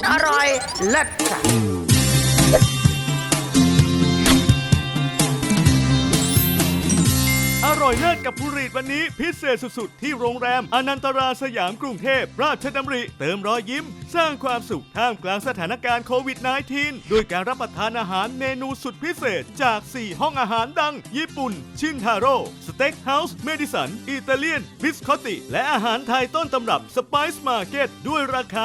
อร่อยเลิศค่ะอร่อยเลิศกับผู้รีดวันนี้พิเศษสุดๆที่โรงแรมอนันตราสยามกรุงเทพราชดำริเติมรอยยิ้มสร้างความสุขท่ามกลางสถานการณ์โควิด -19 โดยการรับประทานอาหารเมนูสุดพิเศษจาก 4 ห้องอาหารดังญี่ปุ่นชินทาโร่สเต็กเฮาส์เมดิสันอิตาเลียนบิสคอตติและอาหารไทยต้นตำรับสไปซ์มาร์เก็ตด้วยราคา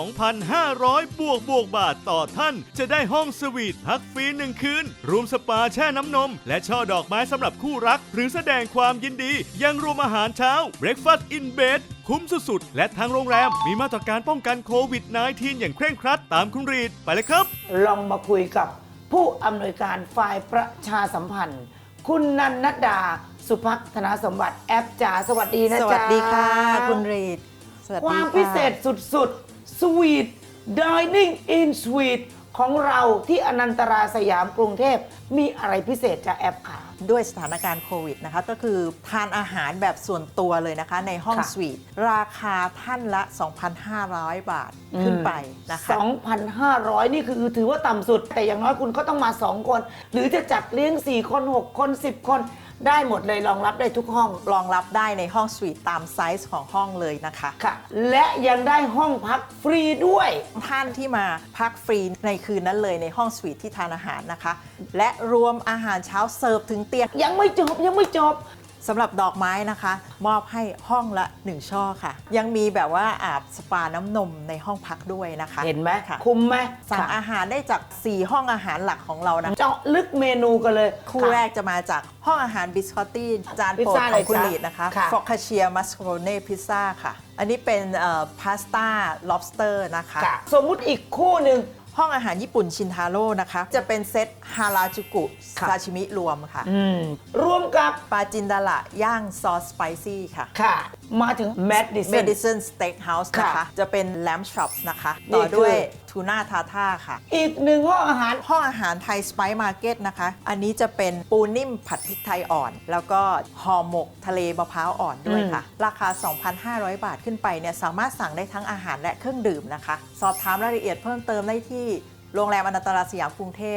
2,500 บาทต่อท่านจะได้ห้องสวีทพักฟรี1 คืนรวมสปาแช่น้ำนมและช่อดอกไม้สำหรับคู่รักหรือแสดงความยินดียังรวมอาหารเช้า Breakfast in Bed คุ้มสุดๆและทางโรงแรมมีมาตรการป้องกันโควิด -19 อย่างเคร่งครัดตามคุณรีดไปเลยครับลองมาคุยกับผู้อำนวยการฝ่ายประชาสัมพันธ์ คุณนันนดาสุภักธนาสมบัติแอปจ๋าสวัสดีนะจ๊ะสวัสดีค่ะคุณรีดสวัสดีความพิเศษสุดๆ Sweet Dining in Suite ของเราที่อนันตราสยามกรุงเทพมีอะไรพิเศษจากแอปค่ะด้วยสถานการณ์โควิดนะคะก็คือทานอาหารแบบส่วนตัวเลยนะคะในห้องค่ะสวีทราคาท่านละ 2,500 บาทขึ้นไปนะคะ 2,500 นี่คือถือว่าต่ำสุด แต่อย่างน้อยคุณก็ต้องมา 2 คน หรือจะจัดเลี้ยง 4 คน 6 คน 10 คนได้หมดเลยรองรับได้ทุกห้องรองรับได้ในห้องสวีทตามไซส์ของห้องเลยนะคะค่ะ และยังได้ห้องพักฟรีด้วยท่านที่มาพักฟรีในคืนนั้นเลยในห้องสวีทที่ทานอาหารนะคะ และรวมอาหารเช้าเสิร์ฟถึงเตียงยังไม่จบสำหรับดอกไม้นะคะ มอบให้ห้องละ 1 ช่อค่ะ ยังมีแบบว่าอาบสปาน้ำนมในห้องพักด้วยนะคะเห็นไหมค่ะคุ้มไหมสั่งค่ะอาหารได้จาก 4 ห้องอาหารหลักของเรานะเจาะลึกเมนูกันเลยคู่แรกจะมาจากห้องอาหารบิสคอตตี้จานโปรดพิซซ่าของคุณอะไรจ๊ะลีดนะคะค่ะฟอกคาเชียมัสโครเน่พิซซ่าค่ะ อันนี้เป็นพาสต้า lobster นะคะค่ะสมมุติอีกคู่หนึ่งห้องอาหารญี่ปุ่นชินทาโร่นะคะ จะเป็นเซตฮาราจูกุค่ะซาชิมิรวมค่ะรวมกับปลาจินดาละย่างซอสสไปซี่ค่ะค่ะ มาถึงแมดดิสัน Medicine Steakhouse นะคะค่ะจะเป็น Lamb Chop นะคะนี่ต่อด้วยคือทูน่าทาท่าค่ะอีกหนึ่งห้องอาหารห้องอาหารไทยสไปซ์มาร์เก็ตนะคะ อันนี้จะเป็นปูนิ่มผัดพริกไทยอ่อน แล้วก็ห่อหมกทะเลมะพร้าวอ่อนด้วยค่ะ ราคา 2,500 บาทขึ้นไปเนี่ยสามารถสั่งได้ทั้งอาหารและเครื่องดื่มนะคะ สอบถามรายละเอียดเพิ่มเติมได้ที่โรงแรมอนันตราสยามกรุงเทพ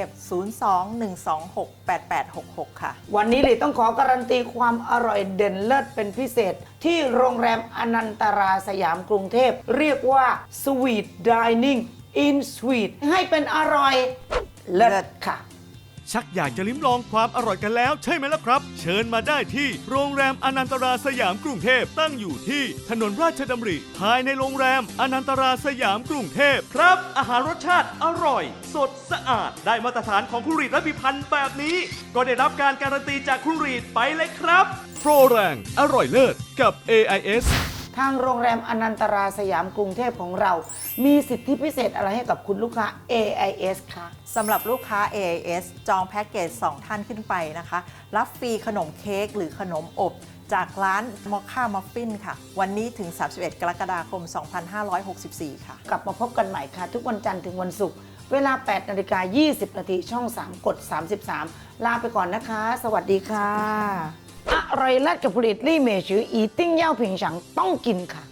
02-126-8866 ค่ะวันนี้เลยต้องขอการันตีความอร่อยเด่นเลิศเป็นพิเศษ ที่โรงแรมอนันตราสยามกรุงเทพเรียกว่า Sweet Dining in Suite ให้เป็นอร่อยเลิศค่ะชักอยากจะลิ้มลองความอร่อยกันแล้วใช่ไหมล่ะครับ เชิญมาได้ที่โรงแรมอนันตราสยามกรุงเทพตั้งอยู่ที่ถนนราชดำริภายในโรงแรมอนันตราสยามกรุงเทพครับ อาหารรสชาติอร่อย สดสะอาดได้มาตรฐานของคุณรีดและพิพันธ์แบบนี้ ก็ได้รับการการันตีจากคุณรีดไปเลยครับโปรแรงอร่อยเลิศกับ AIS ทางโรงแรมอนันตราสยามกรุงเทพของเรา มีสิทธิพิเศษอะไรให้กับคุณลูกค้า AIS คะสำหรับลูกค้า AIS จองแพ็กเกจ 2 ท่านขึ้นไปนะคะ รับฟรีขนมเค้กหรือขนมอบ จากร้านมอคค่ามัฟฟินค่ะ วันนี้ถึง 31 กรกฎาคม 2564 ค่ะกลับมาพบกันใหม่ค่ะ ทุกวันจันทร์ถึงวันศุกร์เวลา 8:20 นช่อง 3 กด 33 ลาไปก่อนนะคะ สวัสดีค่ะ อร่อยเลิศกับผลิตลี่เมชืออีติ้งเย่าผิงฉังต้องกินค่ะ